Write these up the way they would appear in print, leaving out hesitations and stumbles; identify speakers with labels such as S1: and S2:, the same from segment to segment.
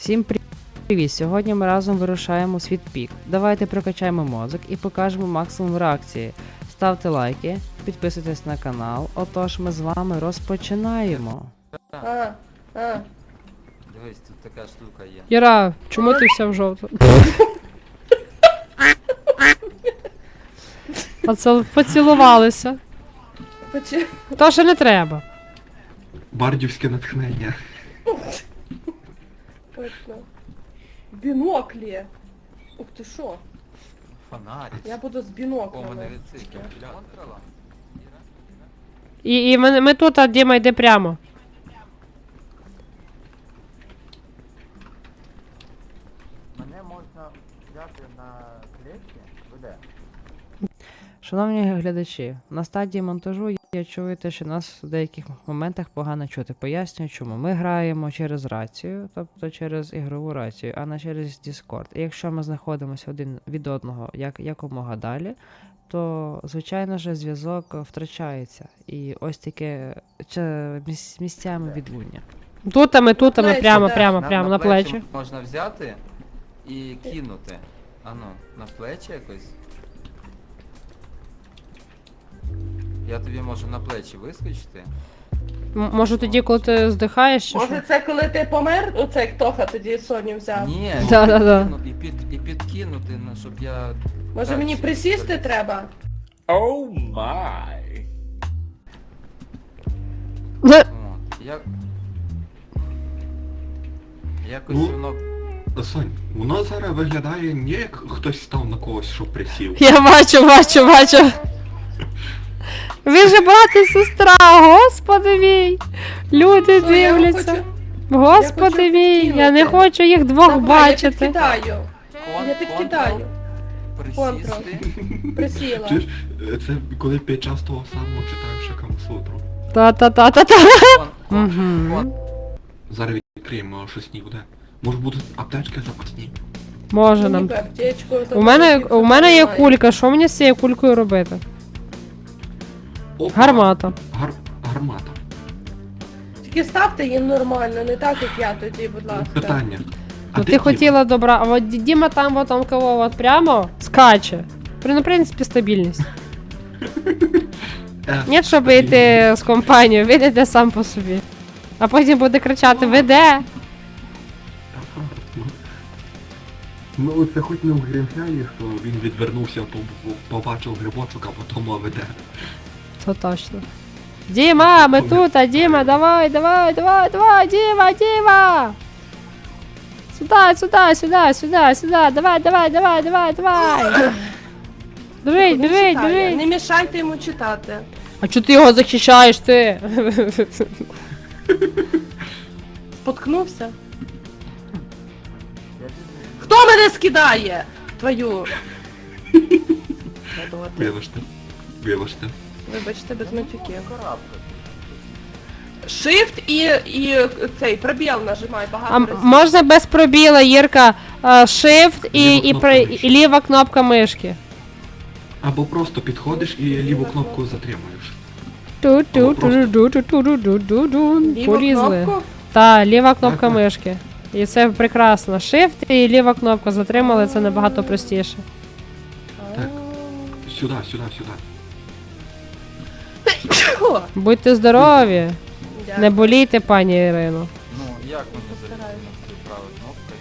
S1: Всім привіт! Сьогодні ми разом вирушаємо у світ пік. Давайте прокачаємо мозок і покажемо максимум реакції. Ставте лайки, підписуйтесь на канал. Отож, ми з вами розпочинаємо.
S2: Дивись, тут така штука є.
S3: Іра, чому ти вся в жовту? Поцілувалися. То ще не треба.
S4: Бардівське натхнення.
S5: Точно. Біноклі. Ух ти що?
S2: Фонарик.
S5: Я буду з
S2: О,
S5: біноклями.
S2: мене відсики. Контрола.
S3: І ми тут, а Діма йде прямо.
S2: Мене можна взяти на клетки? Де?
S1: Шановні глядачі, на стадії монтажу я чую те, що нас в деяких моментах погано чути. Пояснюю чому. Ми граємо через рацію, тобто через ігрову рацію, а не через Discord. І якщо ми знаходимося один від одного якомога далі, то, звичайно ж, зв'язок втрачається. І ось таке місцями відлуння.
S3: Тут, а ми
S5: Плечі,
S3: прямо,
S5: да.
S3: прямо на плечі.
S2: Можна взяти і кинути. Ану, на плечі якось. Я тобі можу на плечі вискочити.
S3: Може тоді, коли ти здихаєш, чи що?
S5: Може це коли ти помер? Оце як Тоха тоді Соню взяв.
S2: Ні,
S3: Да.
S2: і підкинути, ну, щоб я...
S5: Може
S2: так,
S5: мені
S2: чи-
S5: присісти треба?
S2: От, якось
S4: Ну.
S2: воно...
S4: Сонь, воно зараз виглядає не як хтось став на когось, що присів.
S3: Я бачу. Ви же брат і сестра, господи мій. Люди
S5: Що, я вам
S3: дивляться.
S5: хочу-
S3: Господи
S5: я хочу
S3: мій, я не
S5: підкинути.
S3: хочу їх двох
S5: Давай,
S3: бачити.
S5: Я підкидаю. Я підкидаю.
S2: Присісти.
S5: Присіла.
S4: Чи ж це коли під час того самого читаєш Камасутру.
S3: Та-та-та-та-та.
S2: Кон.
S3: Мгм.
S4: Зараз відкриємо, щось ні буде. Може будуть аптечки запасні.
S3: Може нам.
S5: Ніби аптечку,
S3: У мене є кулька, що мені з цією кулькою робити?
S4: Опа.
S3: Гармата.
S4: Гармата.
S5: Тільки ставте їм нормально, не так як я тоді, будь ласка.
S4: Питання. А
S3: Ну
S4: де
S3: ти
S4: Діма?
S3: хотіла добра, а от Діма там вот он кого от прямо скаче. Ну, в принципі, стабільність. Ні, щоб йти з компанією, він іде сам по собі. А потім буде кричати: ви де?
S4: Ну це хоч не в Грінфялі, що він відвернувся, побачив грибочок, а потім веде.
S3: Це точно. Діма, ми тут, а Діма, давай, Діма! Сюди, давай. Біжить.
S5: Не мішайте йому читати.
S3: А чого ти його захищаєш, ти?
S5: Споткнувся? Хто мене скидає? Твою.
S4: Вибачте.
S5: Вибачте, без матюків. Shift і цей пробіл нажимай
S3: А
S5: багато разів.
S3: можна без пробіла, Єрка, Shift
S4: Ліва кнопка мишки.
S3: і ліва кнопка мишки.
S4: Або просто підходиш і ліву кнопку затримуєш.
S5: Ліву
S3: Порізли.
S5: кнопку?
S3: Та, ліва кнопка
S4: Так.
S3: мишки. І це прекрасно. Shift і ліва кнопка затримали, це набагато простіше.
S4: Так. Сюди.
S5: О,
S3: Будьте здорові,
S5: дякую.
S3: не болійте, пані Ірино.
S2: Ну, як мені
S5: Постараюсь.
S2: залізти правою кнопкою?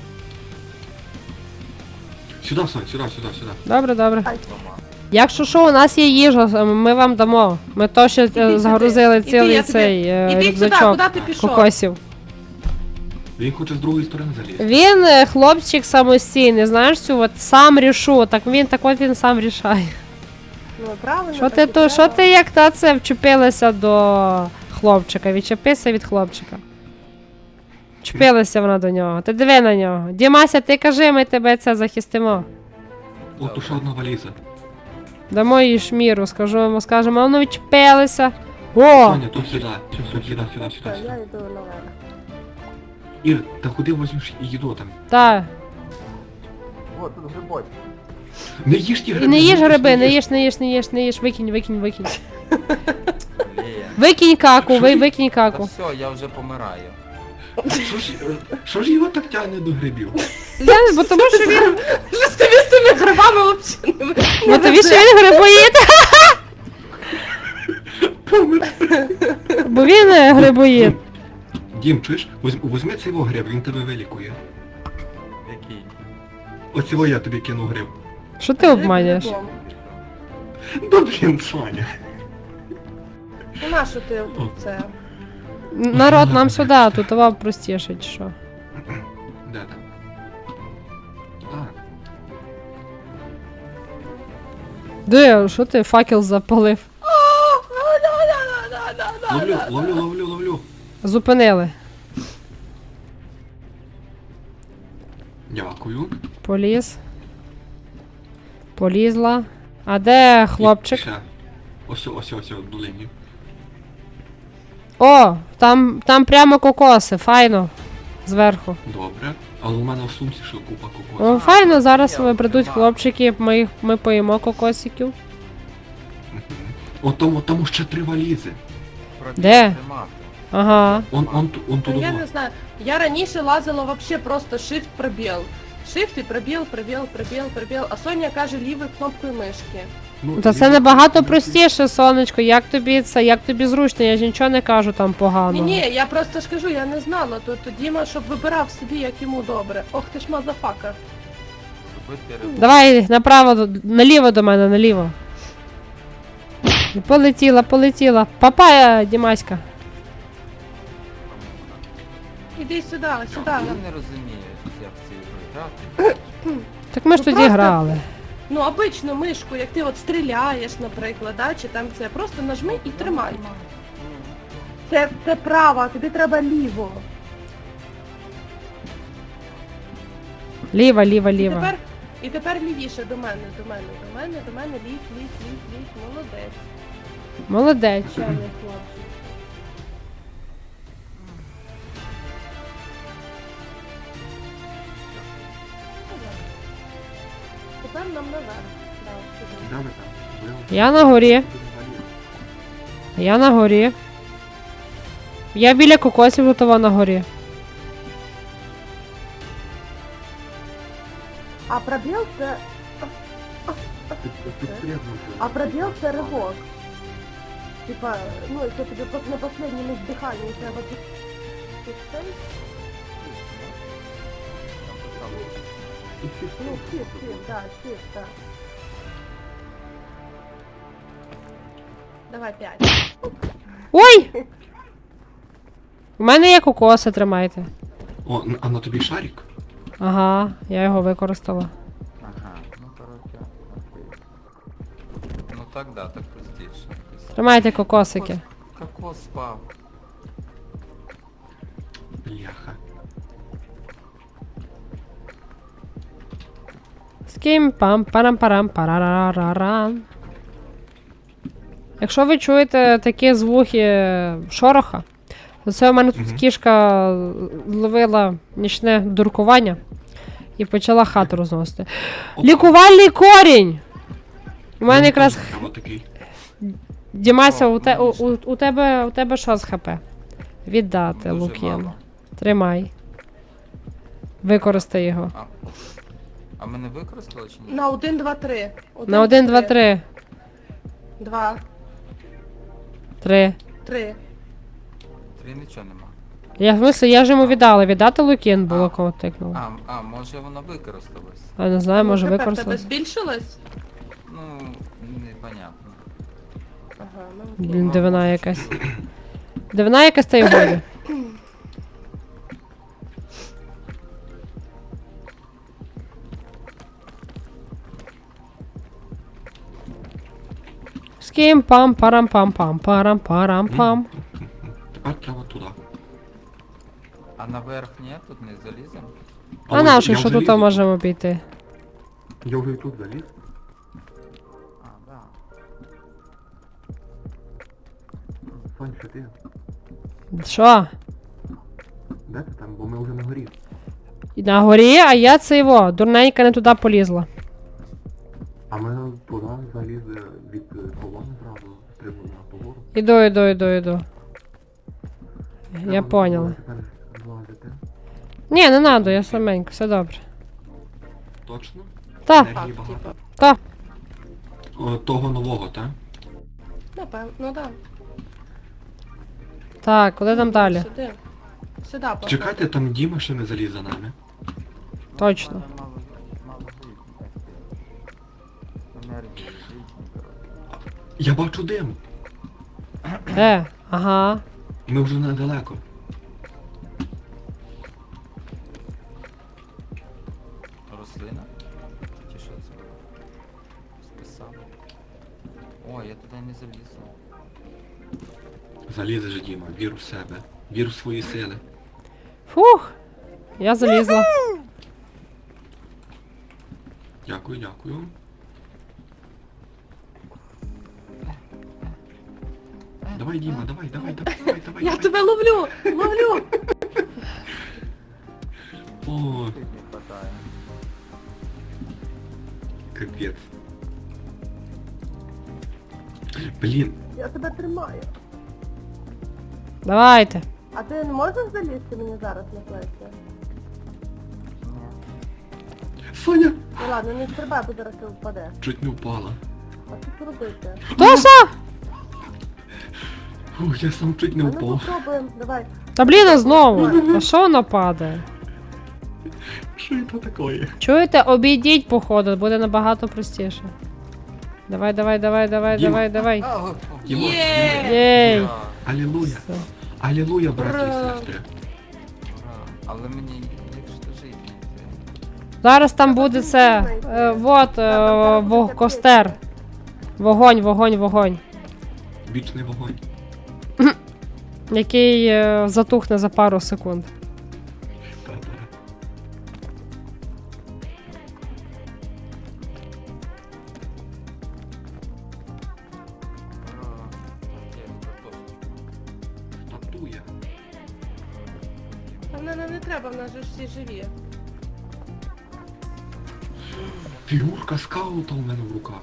S4: Сюди, Сонь, сюди.
S3: Добре.
S2: Дома.
S3: Якщо що, у нас є їжа, ми вам дамо. Ми то ще
S5: Іди
S3: загрузили
S5: сюди.
S3: цілий
S5: Іди,
S3: цей
S5: Іди сюди,
S3: рюкзачок
S5: куди ти пішов?
S3: кокосів.
S4: Він хоче з другої сторони залізти.
S3: Він хлопчик самостійний, знаєш цю от сам рішу, так він сам рішає.
S5: Ну, правильно.
S3: Що
S5: так і
S3: ти що
S5: треба.
S3: ти як та це вчепилася до хлопчика? Відчепися від хлопчика. Вчепилася вона до нього. Ти диви на нього. Дімася, ти кажи, ми тебе це захистимо.
S4: От уже одна валіза.
S3: Дамо їй шміру, скажемо, а ну відчепилися. О!
S4: Соня, тут сюди. Сюди.
S5: Так, я йду наверх.
S4: Ір, та куди возьмеш їду там?
S3: Та.
S2: О, тут грибочки.
S4: Не їж ті
S3: І
S4: гриби.
S3: не їж гриби,
S4: їж.
S3: не їж, викинь.
S2: Блін.
S3: Викинь каку,
S4: Що?
S3: викинь
S2: Та
S3: каку.
S2: все, я вже помираю.
S4: Що ж його так тягне до грибів?
S3: Бо тому що він...
S5: Що з тобі з тими грибами взагалі
S3: Бо тобі що він грибоїд? Бо він грибоїд.
S4: Дім, чуєш? Возьми цей гриб, він тебе вилікує.
S2: Який?
S4: Оцього я тобі кину гриб.
S3: Що ти обманюєш?
S4: Да блін, Саня.
S5: Ну нащо ти це?
S3: Народ, нам сюди, тут вам простіше, чи що?
S4: Де там? А,
S3: Де, що ти факел запалив?
S4: ловлю.
S3: Зупинили.
S4: Дякую.
S3: Поліз. Полізла. А де хлопчик?
S4: Ще. Ось, в долині.
S3: О, там прямо кокоси, файно. Зверху.
S4: Добре. Але у мене в сумці ще купа
S3: О,
S4: кокосів.
S3: файно, зараз прийдуть хлопчики, ми поїмо кокосиків.
S4: О, тому ще 3 валізи.
S3: Де? Ага.
S4: Он
S5: Ну,
S4: туди.
S5: я не знаю. Я раніше лазила вообще просто shift пробіл. Shift і пробіл, а Соня каже лівою кнопкою мишки.
S4: Ну,
S3: Та це набагато простіше, сонечко. Як тобі зручно, я ж нічого не кажу там погано.
S5: Ні, я просто ж кажу, я не знала, то Діма, щоб вибирав собі, як йому добре. Ох ти ж мазафака.
S3: Давай направо, наліво до мене, наліво. І полетіла. Папая, Дімаська.
S5: Іди сюди.
S2: Він не розуміє, як в цій ігрі грати.
S3: Так ми ж
S5: Ну,
S3: тоді
S5: просто-
S3: грали.
S5: Ну, обичну мишку, як ти от стріляєш, наприклад, да, чи там це, просто нажми і тримай. Це право, тобі треба ліво.
S3: Ліва.
S5: І тепер лівіше до мене, ліг, молодець.
S3: Молодець.
S5: Чемний хлопчик. Тепер нам наверх. Да, сюди.
S4: Де ви там?
S3: Я на горі. Я біля кокосів готова на горі.
S5: А пробіл це... А пробіл це ривок. Типа, ну, якщо тобі на последньому здиханні треба під цей. Ну, shift, да. Давай 5.
S3: Ой! У мене є кокоси, тримайте.
S4: О, а на тобі шарик?
S3: Ага, я його використала.
S2: Ага, ну коротше, окей. Ну так да, так простіше.
S3: Тримайте кокосики.
S2: Кокос спав.
S4: Бляха.
S3: Скім пам парам парам парарарарам. Якщо ви чуєте такі звуки шороха, то це у мене тут кішка зловила нічне дуркування і почала хату розносити. Лікувальний корінь! У мене якраз
S4: Такий.
S3: Дімася,
S2: О,
S3: у тебе що з ХП? Віддати,
S2: Дуже
S3: Лук'ян.
S2: мало.
S3: Тримай. Використай його.
S2: А ми не використали чи ні?
S5: На 1, 2, 3.
S3: На 1, 2, 3.
S5: 2,
S3: 3.
S5: 3.
S2: 3 нічого нема.
S3: Я в смислі, я ж йому віддала. Віддати Лук'ян було, кого тикнуло.
S2: Може воно використалось?
S3: А не знаю, може
S5: Тепер тебе
S3: використалось.
S5: збільшилось?
S2: Ну, непонятно.
S5: Ага, ну.
S3: Блін, дивина якась. Дивина якась та й годі. Скім пам парам пам пам парам парам пам.
S4: Тепер треба туди.
S2: А наверх ні, тут не заліземо?
S3: А нашу, що тут можемо обійти?
S4: Я вже і тут заліз.
S2: А, да.
S4: Сонь, що ти?
S3: Що?
S4: Де ти там? Бо ми вже на горі.
S3: На горі, а я це його, дурненька не туди полізла.
S4: А ми туди залізли від колони зразу, стрибнули на погору.
S3: Іду. Я поняла.
S4: Тепер Злазите.
S3: Ні, не надо, я саменько, все добре.
S4: Точно?
S3: Та,
S4: Енергії
S5: Так,
S4: багато.
S5: типа.
S3: та.
S4: О, того нового, так?
S5: Напевно, ну да.
S3: Так, куди там далі?
S5: Сюди. Сюди, походу.
S4: Чекайте, там Діма ще не заліз за нами.
S3: Точно.
S2: У мене мало жизни, енергії, жизни, коротше.
S4: Я бачу дим.
S3: Ага.
S4: Ми вже недалеко.
S2: Рослина? Чи що це? Списав. О, я туди не залізу.
S4: Залізеш, Діма, вір в себе. Вір в свої сили.
S3: Фух. Я залізла.
S4: Дякую, дякую. Давай, Діма, давай, давай, давай, давай, давай.
S5: Я
S4: давай.
S5: тебе ловлю! Ловлю!
S4: О,
S2: Тут не хватає.
S4: капець. Блін,
S5: Я тебе тримаю.
S3: Давайте.
S5: А ти не можеш залізти мені зараз на плечі?
S4: Соня!
S5: Ну ладно, не стрибай, бо зараз ти впадеш.
S4: Чуть не впала.
S5: А що тут робити?
S3: Тоша!
S4: Ух, я сам чуть не
S5: А ну
S4: впав.
S5: попробуємо, давай.
S3: Та блін, а знову. А що воно падає?
S4: Що це таке?
S3: Чуєте, обійдіть походу, буде набагато простіше. Давай, давай, давай, давай,
S4: Діма.
S3: давай, давай.
S2: А, о,
S4: Діма,
S5: Є!
S4: Діма.
S3: Єй.
S2: ура,
S4: Алілуя.
S3: Все.
S4: Алілуя, браті і
S5: Ура.
S4: сестри.
S2: ура. Але мені якщо жити не йти.
S3: Зараз там буде це. Костер. Вогонь, вогонь, вогонь.
S4: Вічний вогонь.
S3: Який затухне за пару секунд.
S4: Та-та.
S2: Ура. Є, картошечка.
S4: Татуя.
S5: А не треба, в нас же ж всі живі.
S4: Фігурка скаута у мене в руках.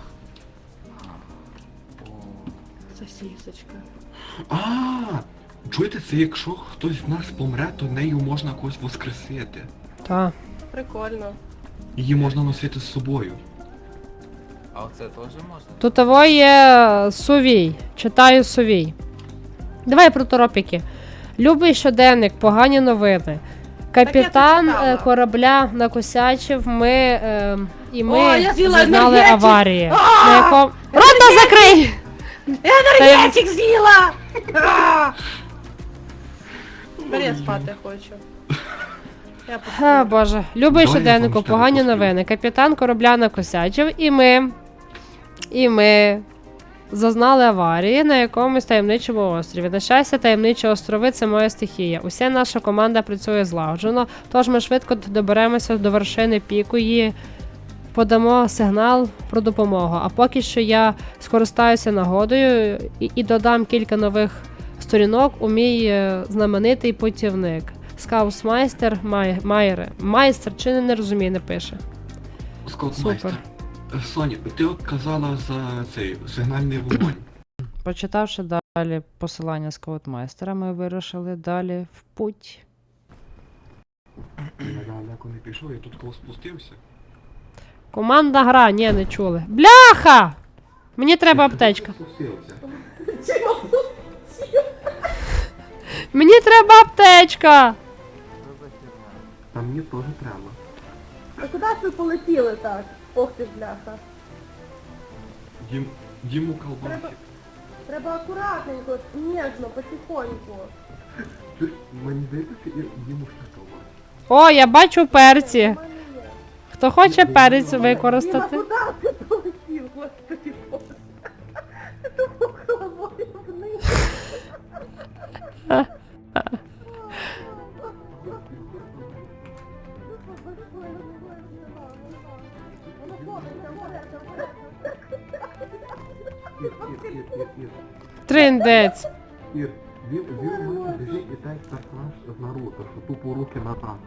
S2: О,
S5: Сосісочка.
S4: А, чуєте, це якщо хтось з нас помре, то нею можна когось воскресити.
S3: Та.
S5: Прикольно.
S4: Її можна носити з собою.
S2: а оце теж можна?
S3: Тут того є Сувій. Читаю Сувій. Давай про торопіки. Любий щоденник, погані новини. Капітан
S5: Так я це читала.
S3: корабля накосячив, і ми
S5: О, я з'їла
S3: зазнали
S5: енергетик!
S3: аварії.
S5: А!
S3: На якому... Рота закрий!
S5: Енергетик з'їла! А! Бери, я спати хочу. Я
S3: А, боже. Любий
S4: Давай я
S3: щоденнику,
S4: вам ще
S3: погані
S4: розповім.
S3: новини. Капітан корабля накосячив, і ми зазнали аварії на якомусь таємничому острові. На щастя, таємничі острови – це моя стихія. Уся наша команда працює злагоджено, тож ми швидко доберемося до вершини піку і подамо сигнал про допомогу. А поки що я скористаюся нагодою і додам кілька нових сторінок у мій знаменитий путівник. Скаусмайстер майстер, чи не розуміє, не пише.
S4: Скаутмайстер. Соня, ти от казала за цей сигнальний вогонь.
S1: Почитавши далі посилання скаутмайстера, ми вирушили далі в путь.
S4: Я далеко не пішов, я тут кого спустився.
S3: Командна гра, ні, не чули. Бляха! Мені треба аптечка.
S4: Спустився.
S3: Мені треба аптечка!
S2: Що за херня?
S4: Та мені теж треба.
S5: А куди ж ви полетіли так? Ох ти ж бляха.
S4: Діму колбасі.
S5: Треба акуратненько, ніжно, потихоньку.
S4: Мені здається, і Діму ще колбасі.
S3: О, я бачу перці.
S5: У мене є.
S3: Хто хоче перець
S5: Діма,
S3: використати?
S5: куди ти полетів, господи боже? Ти тупо головою вниз.
S4: Ір.
S3: Триндець.
S4: Ір, він у мене біжить і так персонаж з Наруто, що тупо руки назад.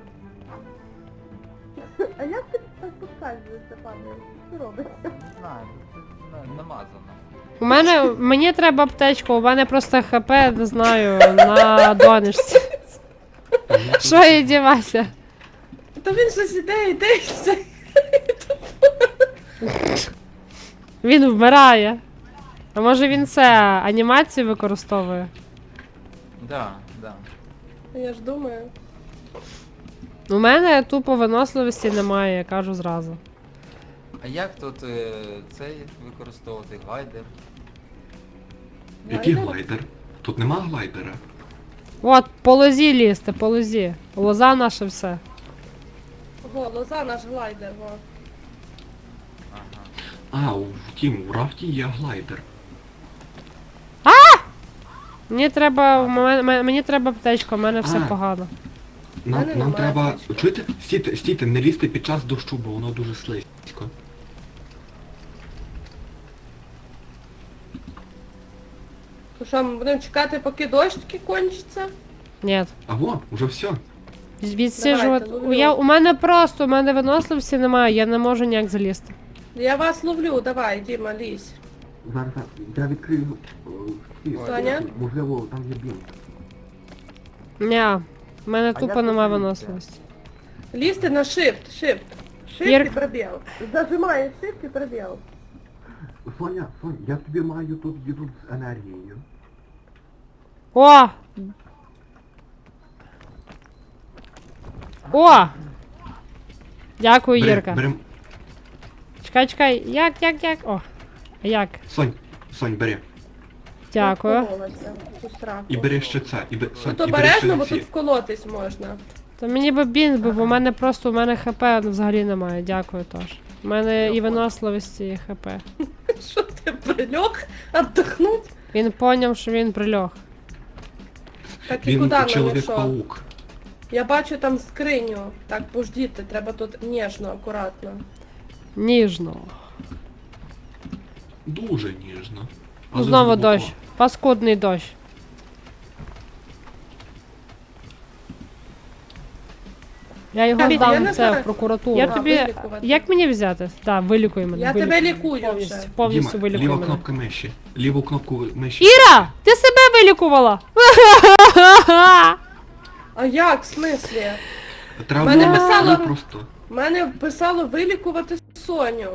S5: А як ти так поскальзуєшся, пане? Що робиться?
S2: Не знаю, це намазано.
S3: Мені треба аптечку, у мене просто хп, не знаю, на донечці. Що я дівася?
S5: Та він щось іде, і все.
S3: Він вмирає. А може він це анімацію використовує?
S2: Да, да.
S5: Я ж думаю.
S3: У мене тупо виносливості немає, я кажу зразу.
S2: А як тут цей використовувати глайдер?
S4: Який
S5: Глайдер?
S4: глайдер? Тут нема глайдера.
S3: От, по лозі лізти, по лозі. Лоза наше все.
S5: Во, лоза наш глайдер, во.
S2: Ага.
S4: А, у рафті є глайдер.
S3: Мені треба аптечка, у мене все
S4: А.
S3: погано.
S4: Нам
S5: немає
S4: треба.
S5: аптечки.
S4: Чуєте? Стійте, не лізьте під час дощу, бо воно дуже слизько.
S5: То що, ми будемо чекати, поки дощ таки кончиться?
S3: Ні.
S4: А во, уже все.
S3: Відсіжувати.
S5: ловлю.
S3: У мене виносливості немає, я не можу ніяк залізти.
S5: Я вас ловлю, давай, Діма, лізь.
S4: Зараз я відкрию.
S5: Соня?
S4: Можливо, там є бінт.
S3: Ні, у мене
S2: А
S3: тупо
S2: як
S3: немає
S2: ви
S3: виносливості.
S5: Лізьте на shift. Shift
S3: Ір-
S5: і пробіл. Зажимаєш shift і пробіл.
S4: Соня, я тобі маю тут їду з енергією.
S3: О! О! Дякую, Ірка.
S4: Берем.
S3: Чекай. Як? О. А як?
S4: Сонь, бери.
S3: Дякую.
S5: Вкололася в цю сраку.
S4: І бери ще це. Сонь,
S5: Тут
S4: і бери ще
S5: обережно, бо
S4: ці.
S5: тут вколотись можна.
S3: То мені би бінт, бо в мене просто, у мене хп взагалі немає. Дякую теж. У мене і виносливості, і хп.
S5: Що ти прильох? Отдохнуть?
S3: Він поняв, що він прильох.
S5: Так і
S4: Він
S5: куди нам що?
S4: чоловік-паук.
S5: Я бачу там скриню. Так, пождіти, треба тут ніжно, акуратно.
S3: Ніжно.
S4: Дуже ніжно.
S3: Ну,
S4: Але
S3: знову
S4: глибоко.
S3: дощ. Паскудний дощ. Я його
S5: Я
S3: здам
S5: не
S3: це
S5: знаю.
S3: в прокуратуру. Я
S5: А,
S3: тобі.
S5: вилікувати.
S3: Як мені взяти? Так, вилікуй мене.
S5: Я
S3: вилікуй.
S5: тебе лікую
S3: Повністю,
S5: вже.
S3: повністю
S4: Діма,
S3: вилікуй
S4: ліва
S3: мене.
S4: кнопка миші. Ліву кнопку миші.
S3: Іра! Ти себе вилікувала!
S5: А як, в смислі?
S4: Треба
S5: Мене
S4: було
S5: писало-
S4: просто.
S5: У мене писало вилікувати Соню.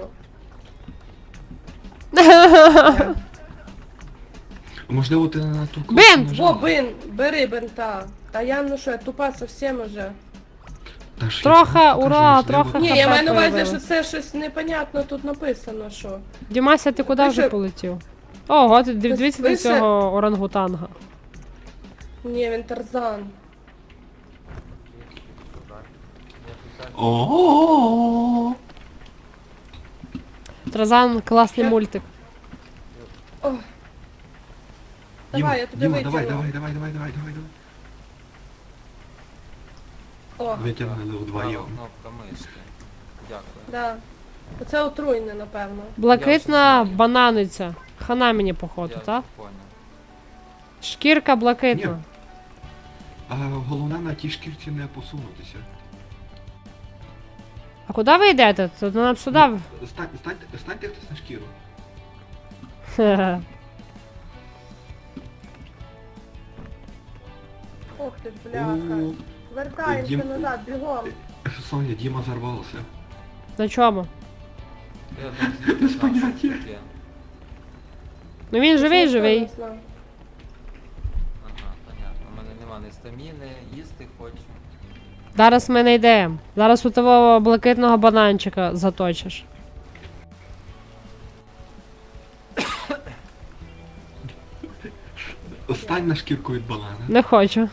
S4: Можливо, ти на ту кнопку
S3: Бинт!
S4: нажала.
S5: Во, бери бинта. Та я, ну що, я тупа совсем уже.
S4: Та ж я
S3: Трохи,
S4: кажу,
S3: ура,
S4: можливо,
S3: трохи.
S5: Ні,
S3: хп
S5: я маю на увазі, що
S3: появилось.
S5: це щось непонятно тут написано, що.
S3: Дімася, ти куди
S5: Ви
S3: вже
S5: що?
S3: полетів? Ого, ти дивіться
S5: ви
S3: на
S5: ще-
S3: цього орангутанга.
S5: Ні, він Тарзан.
S4: О-о-о-о.
S3: Тразан класний
S5: Я-
S3: мультик.
S5: О. Давай, я тобі
S4: Діма,
S5: витягну.
S4: давай.
S5: О,
S4: Витягнули вдвоєм.
S2: Права кнопка мишки. Дякую.
S5: да. Оце отруйне, напевно.
S3: Блакитна
S2: Я вже знаю.
S3: бананиця. Хана мені походу,
S2: Я
S3: так?
S2: понял.
S3: Шкірка блакитна.
S4: Ні. А головне на тій шкірці не посунутися.
S3: А куди ви йдете? То нам сюди.
S4: Станьте хтось на шкіру.
S3: Хе-хе.
S5: Ох ти ж, бляха.
S4: О,
S5: Вертаємося
S4: Дім-
S5: назад, бігом.
S4: Соня, Діма зарвався.
S3: На чому?
S2: Я не знаю,
S4: поняття.
S2: що таке.
S3: Ну він живий,
S5: Ніхто
S3: живий.
S5: не знає.
S2: Ага, понятно. У мене нема ні стаміни, їсти хочу.
S3: Зараз ми не йдемо. Зараз у того блакитного бананчика заточиш.
S4: Стань на шкірку від банана.
S3: Не хочу.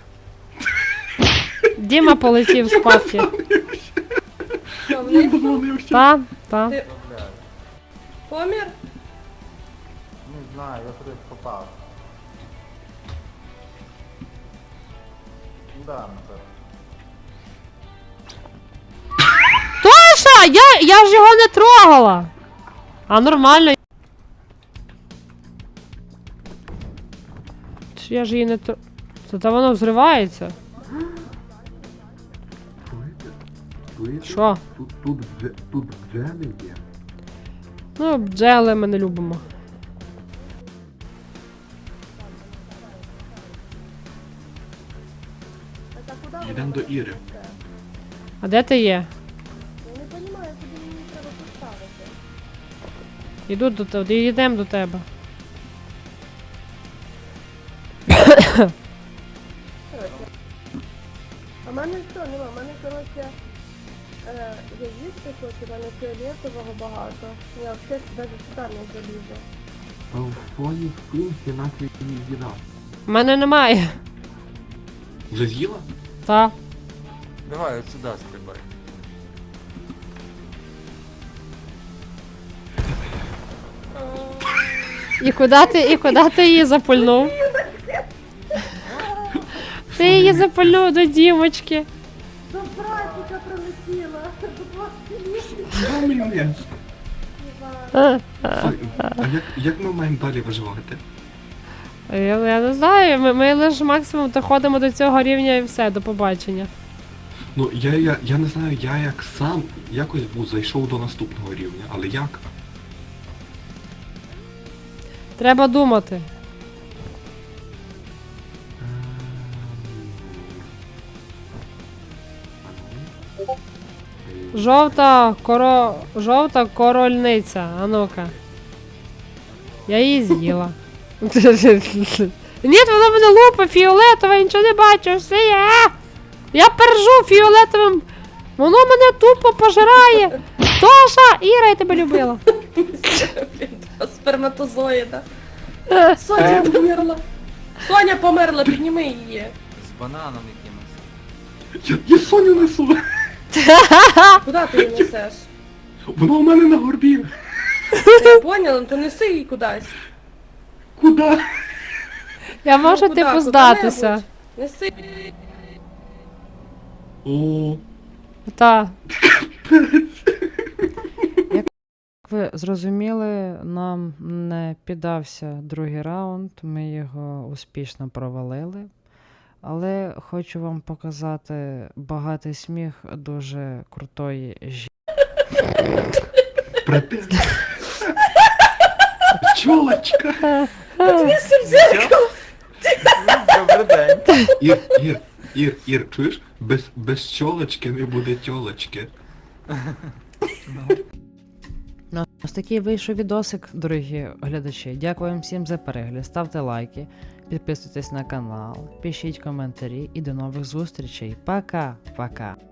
S3: Діма полетів спадки.
S5: Що, вниз?
S4: Подзвонився.
S3: Та.
S2: Добавляю.
S5: Помір?
S2: Не знаю, я туди попав. Да, напевно.
S3: Тоша! Я ж його не трогала! А нормально. Чи я ж її не тро... Та воно взривається.
S4: Чуєте?
S3: Що?
S4: Тут бджели є.
S3: Ну, бджели ми не любимо.
S4: Йдемо до Іри.
S3: А де ти є?
S5: Я не розумію, куди мені треба поставити.
S3: Іду до тебе, йдемо до тебе.
S5: А в мене що, нема, в мене, коротше, я їсти хочу, в мене фіолетового багато. Я взагалі навіть сюди не залізу.
S4: А в фоні спинці наче її з'їда.
S3: У мене немає.
S4: Вже з'їла?
S3: Та.
S2: Давай от сюди стрибай.
S3: І куди ти її запульнув? Ти її запульнув до Дімочки.
S5: До братика прилетіла, до вас
S4: Що мене? А як ми маємо далі виживати?
S3: Я не знаю, ми лише максимум доходимо до цього рівня і все, до побачення.
S4: Ну, я не знаю, я як сам якось був зайшов до наступного рівня, але як?
S3: Треба думати. Жовта корольниця, а ну-ка. Я її з'їла. Ні, вона мене лупа фіолетова, я нічого не бачу, все є. Я пержу фіолетовим. Воно мене тупо пожирає. Тоша, Іра, я тебе любила.
S5: сперматозоїда. Соня померла. Соня померла, підніми її.
S2: З бананом якимось.
S4: Я Соню несу!
S5: Куди ти її несеш?
S4: Вона у мене на горбі!
S5: Я поняла, то неси її кудись.
S4: Куда?
S3: Я можу
S5: Ну,
S3: типу
S5: куди?
S3: здатися.
S5: Куди-небудь. Неси.
S4: О,
S3: Та.
S1: Як ви зрозуміли, нам не піддався другий раунд, ми його успішно провалили. Але хочу вам показати багатий сміх дуже крутої жінки.
S4: брате. Чолочка!
S2: Добрий день.
S4: Ір, чуєш? Без чолочки не буде тьолочки.
S1: Ну, ось такий вийшов відосик, дорогі глядачі. Дякую вам всім за перегляд. Ставте лайки, підписуйтесь на канал, пишіть коментарі і до нових зустрічей. Пока-пока.